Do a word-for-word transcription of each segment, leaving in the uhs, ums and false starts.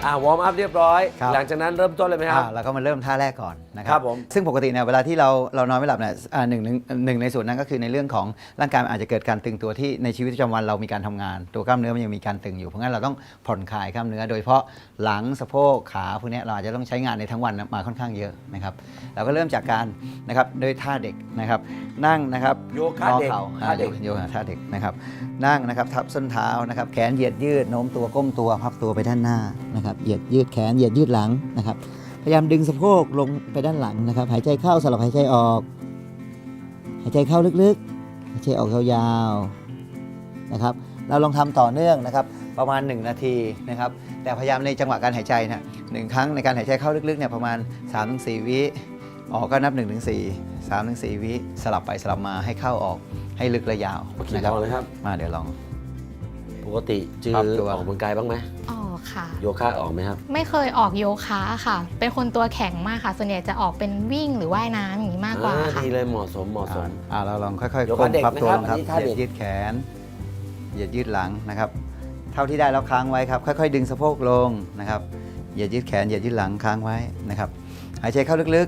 อ่าวอร์มอัพเรียบร้อยครับหลังจากนั้นเริ่มต้นเลยไหมครับอ่าเราก็มาเริ่มท่าแรกก่อนนะคครัรับบผมซึ่งปกติเนี่ยเวลาที่เราเรานอนไม่หลับเนี่ยอ่าหนึ่งหนึ่งหนึ่งในส่วนนั้นก็คือในเรื่องของร่างกายมันอาจจะเกิดการตึงตัวที่ในชีวิตประจำวันเรามีการทำงาน ตัวกล้ามเนื้อมันยังมีการตึงอยู่เพราะงั้นเราต้องผ่อนคลายกล้ามเนื้อโดยเฉพาะหลังสะโพกขาพวกเนี้ยเราอาจจะต้องใช้งานในทั้งวันมาค่อนข้างเยอะนะครับเราก็เริ่มจากการนะครับด้วยท่าเด็กนะครับนั่งนะครับโยคะเด็กงอข่าท่าเด็กโยคะท่าเด็กนะครับนั่งนะครับทับส้นเท้านะครับแขนเหยียดยืดโน้มตัวก้มตัวพับตัวไปด้านหน้านะครับเหยียดยืดแขนเหยียดยืดหลังนะครับพยายามดึงสะโพกลงไปด้านหลังนะครับหายใจเข้าสลับหายใจออกหายใจเข้าลึกๆหายใจออกยาวๆนะครับเราลองทำต่อเนื่องนะครับประมาณหนึ่งนาทีนะครับแต่พยายามในจังหวะการหายใจนะหนึ่งครั้งในการหายใจเข้าลึกๆเนี่ยประมาณ สามถึงสี่ วิออกก็นับ หนึ่งถึงสี่ สามถึงสี่ วิสลับไปสลับมาให้เข้าออกให้ลึกและยาวโอเคนะคลรับองเลยครับมาเดี๋ยวลองปกติจือปรัอบตัวอกกำลังกายบ้างไหมออกค่ะโยคะออกไหมครับไม่เคยออกโยคะค่ะ เป็นคนตัวแข็งมากค่ะ ส่วนใหญ่จะออกเป็นวิ่งหรือว่ายน้ำอย่างนี้มากกว่าอ่ค่ะดีเลยเหมาะสมเหมาะสมอ่าเราลองค่อยๆโยคะก้มเด็กพับตัวลงนะคครัรับบ อันนี้ท่าเหยียเด็ดกยืดแขนเหยียดยืดหลังนะครับ เท่าที่ได้แล้วค้างไว้ครับค่อยๆดึงสะโพกลงนะครับเหยียดยืดแขนเหยียดยืดหลังค้างไว้นะครับหายใจเข้าลึก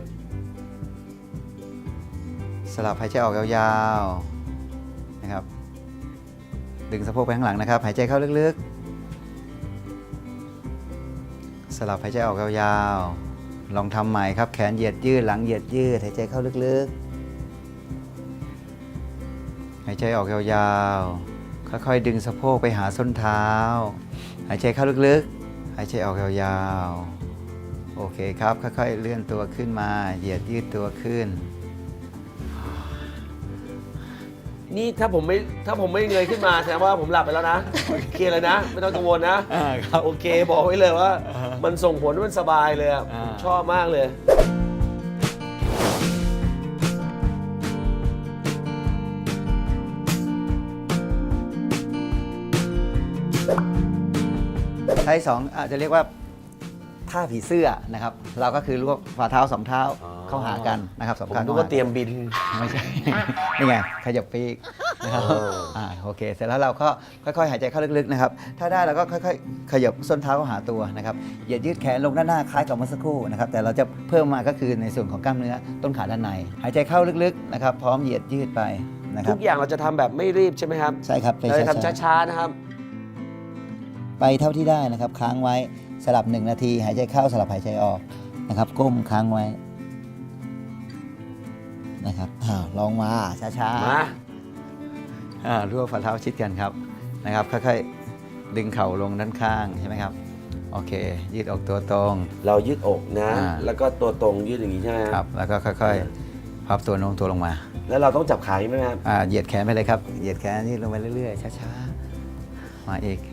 ๆ สลับหายใจออกยาวๆนะครับดึงสะโพกไปข้างหลังนะครับหายใจเข้าลึกๆ สลับหายใจออกยาวๆลองทำใหม่ครับแขนเหยียดยืดหลังเหยียดยืดหายใจเข้าลึกๆ หายใจออกยาวๆ ค่อยๆ ดึงสะโพกไปหาส้นเท้า หายใจเข้าลึกๆ หายใจออกยาวๆ โอเคครับ ค่อยๆ เลื่อนตัวขึ้นมา เหยียดยืดตัวขึ้นนี่ถ้าผมไม่ถ้าผมไม่เงยขึ้นมาแสดงว่าผมหลับไปแล้วนะเคลียร์เลยนะ ไม่ต้องกังวลนะอ่าครับโอเคบอกไว้เลยว่า มันส่งผลให้มันสบายเลยอะอ่าชอบมากเลยท่าที่สองอาจจะเรียกว่าท่าผีเสื้อนะครับ เราก็คือรวบฝ่าเท้าสองเท้าอ๋อเข้าหากันนะครับสองผมข้างนึกเข้าว่าหาเตรียมบินไม่ใช่ นี่ไงขยับปีกนะครับเอออ่อ่าโอเค เสร็จแล้วเราก็ค่อยๆ หายใจเข้าลึกๆนะครับ ถ้าได้เราก็ค่อยๆ ขยับส้นเท้าเข้าหาตัวนะครับเหยียดยืดแขนลงด้านหน้าคล้ายกับเมื่อสักครู่นะครับ แต่เราจะเพิ่มมาก็คือในส่วนของกล้ามเนื้อต้นขาด้านใน หายใจเข้าลึกๆนะครับ พร้อมเหยียดยืดไปนะครัทุบกอย่างเราจะทำแบบไม่รีบใช่ไหมครับใช่ครับไปเราจะทำช้าช้าๆนะครับๆไปเท่าที่ได้นะครับ ค้างไว้สลับหนึ่งนาที หายใจเข้าสลับหายใจออกนะครับ ก้มค้างไว้นะครับอ้าวลองมาช้าๆมาอ่ารวบฝ่าเท้าชิดกันครับนะครับค่อยๆดึงเข่าลงด้านข้างใช่ไหมครับโอเค ยืดออกตัวตรงเรายืดอกนะอ่าแล้วก็ตัวตรงยืดอย่างนี้ใช่ไหมครับแล้วก็ค่อยๆพับตัวโน้มตัวลงมาแล้วเราต้องจับขาอย่างนี้ไหมครับอ่าเหยียดแขนไปเลยครับเหยียดแขนยืดลงไปเรื่อยๆช้าๆมาอีก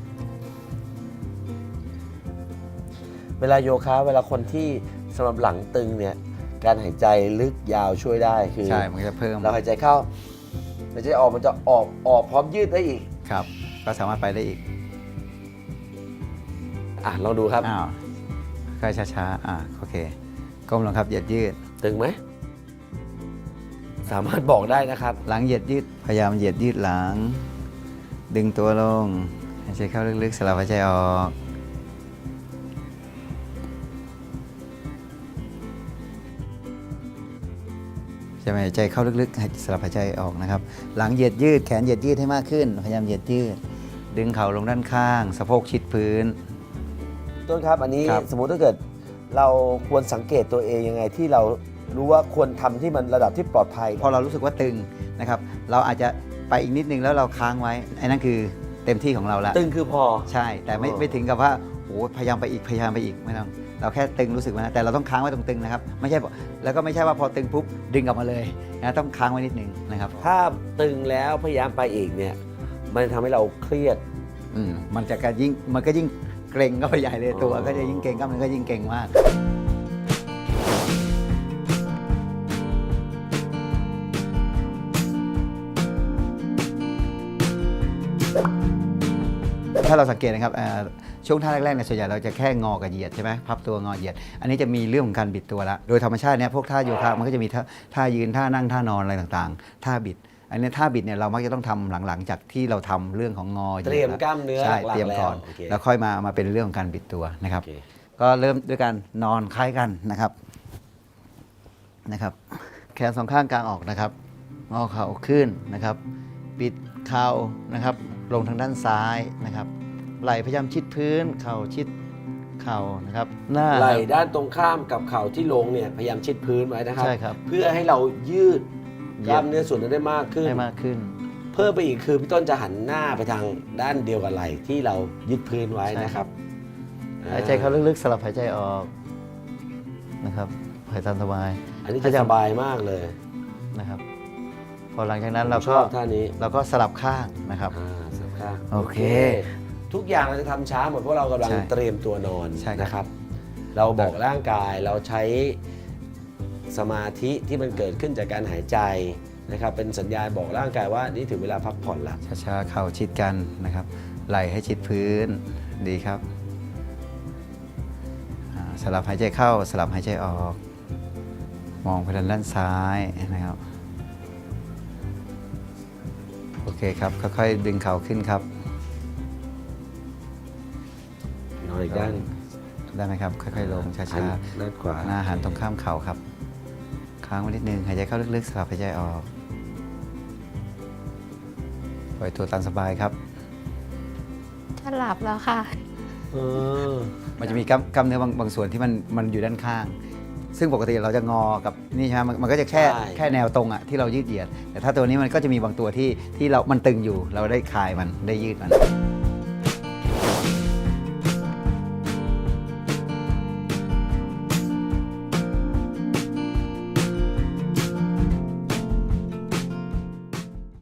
เวลาโยคะเวลาคนที่สำหรับหลังตึงเนี่ยการหายใจลึกยาวช่วยได้คือใช่มันจะเพิ่มเราหายใจเข้าหายใจออกมันจะออกออกพร้อมยืดได้อีกครับก็สามารถไปได้อีกอ่ะลองดูครับอ้าวค่อยช้าๆอ่าโอเคก้มลงครับเหยียดยืดตึงไหมสามารถบอกได้นะครับหลังเหยียดยืดพยายามเหยียดยืดหลัง ดึงตัวลงหายใจเข้าลึกๆสลับหายใจออกจะหายใจเข้าลึกๆให้สลับหายใจออกนะครับหลังเหยียดยืดแขนเหยียดยืดให้มากขึ้นพยายามเหยียดยืดดึงเข่าลงด้านข้างสะโพกชิดพื้นต้นครับอันนี้ครับสมมุติถ้าเกิดเราควรสังเกตตัวเองยังไงที่เรารู้ว่าควรทำที่มันระดับที่ปลอดภัยพอเรารู้สึกว่าตึงนะครับเราอาจจะไปอีกนิดนึงแล้วเราค้างไว้ไอ้นั่นคือเต็มที่ของเราแล้วตึงคือพอใช่แต่ไม่อ๋อไม่ถึงกับว่าโอ้พยายามไปอีกพยายามไปอีกไม่ต้องเราแค่ตึงรู้สึกว่านะแต่เราต้องค้างไว้ตรงตึงนะครับไม่ใช่บอกแล้วก็ไม่ใช่ว่าพอตึงปุ๊บดึงกลับมาเลยนะต้องค้างไว้นิดนึงนะครับถ้าตึงแล้วพยายามไปอีกเนี่ยมันทำให้เราเครียดอืมมันจะการยิ่งมันก็ยิ่งเกร็งก็ไปใหญ่เลยตัวอ๋อก็จะยิ่งเกร็งกล้ามเนื้อก็ยิ่งเกร็งมากถ้าเราสังเกตนะครับเอ่อช่วงท่าแรกๆเนี่ยส่วนใหญ่เราจะแค่งอกับเหยียดใช่ไหมพับตัวงอเหยียด อันนี้จะมีเรื่องของการบิดตัวละโดยธรรมชาติเนี่ยพวกท่าโยคะมันก็จะมีท่าท่ายืนท่านั่งท่านอนอะไรต่างๆท่าบิดอันนี้ท่าบิดเนี่ยเรามักจะต้องทำหลังๆจากที่เราทำเรื่องของงอเตรียมกล้ามเนื้อใช่หลักๆเตรียมก่อนแล้วโอเคแล้วค่อยมามาเป็นเรื่องของการบิดตัวนะครับโอเคก็เริ่มด้วยการนอนคล้ายกันนะครับนะครับ แขนสองข้างกลางออกนะครับงอเข่าขึ้นนะครับ ปิดเข่านะครับ ลงทางด้านซ้ายนะครับ ไหล่พยายามชิดพื้น เข่าชิดเข่านะครับ หน้าไหล่ด้านตรงข้ามกับเข่าที่ลงเนี่ยพยายามชิดพื้นไว้นะครับใช่ครับเพื่อให้เรายืดเหกยียบล้ามเนื้อส่วนนั้นได้มากขึ้นให้มากขึ้นเพิ่มไปอีกคือพี่ต้นจะหันหน้าไปทางด้านเดียวกับไหล่ที่เรายึดพื้นไว้นะครับหายใจเข้าลึกๆสลับหายใจออกนะครับหายใจสบายอันนี้จะสบายมากเลยนะครับ พอหลังจากนั้นเราชก็อบท่านี้เราก็สลับข้างนะครับอ่าสลับข้างโอเคทุกอย่างเราจะทำช้าหมดเพราะเรากำลังใช่เตรียมตัวนอนใช่ครับนะครับ เราบอกร่างกายเราใช้สมาธิที่มันเกิดขึ้นจากการหายใจนะครับ เป็นสัญญาณบอกร่างกายว่านี่ถึงเวลาพักผ่อนละช้าๆเข่าชิดกันนะครับ ไหล่ให้ชิดพื้นดีครับอ่าสลับหายใจเข้าสลับหายใจออก มองไปทางด้านซ้ายนะครับโอเคครับค่อยๆดึงเข่าขึ้นครับนอนอีกด้านได้ไหมครับ ค่อยๆลงหัช้านด้านขวาๆหน้าหันตรงข้ามเข่าครับ ค้างไว้นิดนึงหายใจเข้าลึกๆสลับหายใจออกปล่อยตัวตามสบายครับจะหลับแล้วค่ะเออมันจะมีกล้ามกล้ามเนื้อบางบางส่วนที่มันมันอยู่ด้านข้าง ซึ่งปกติเราจะงอกับนี่ใช่ไหมมันมันก็จะแค่ใช่แค่แนวตรงอะที่เรายืดเหยียด แต่ถ้าตัวนี้มันก็จะมีบางตัวที่ที่เรา มันตึงอยู่ เราได้คลายมันได้ยืดมัน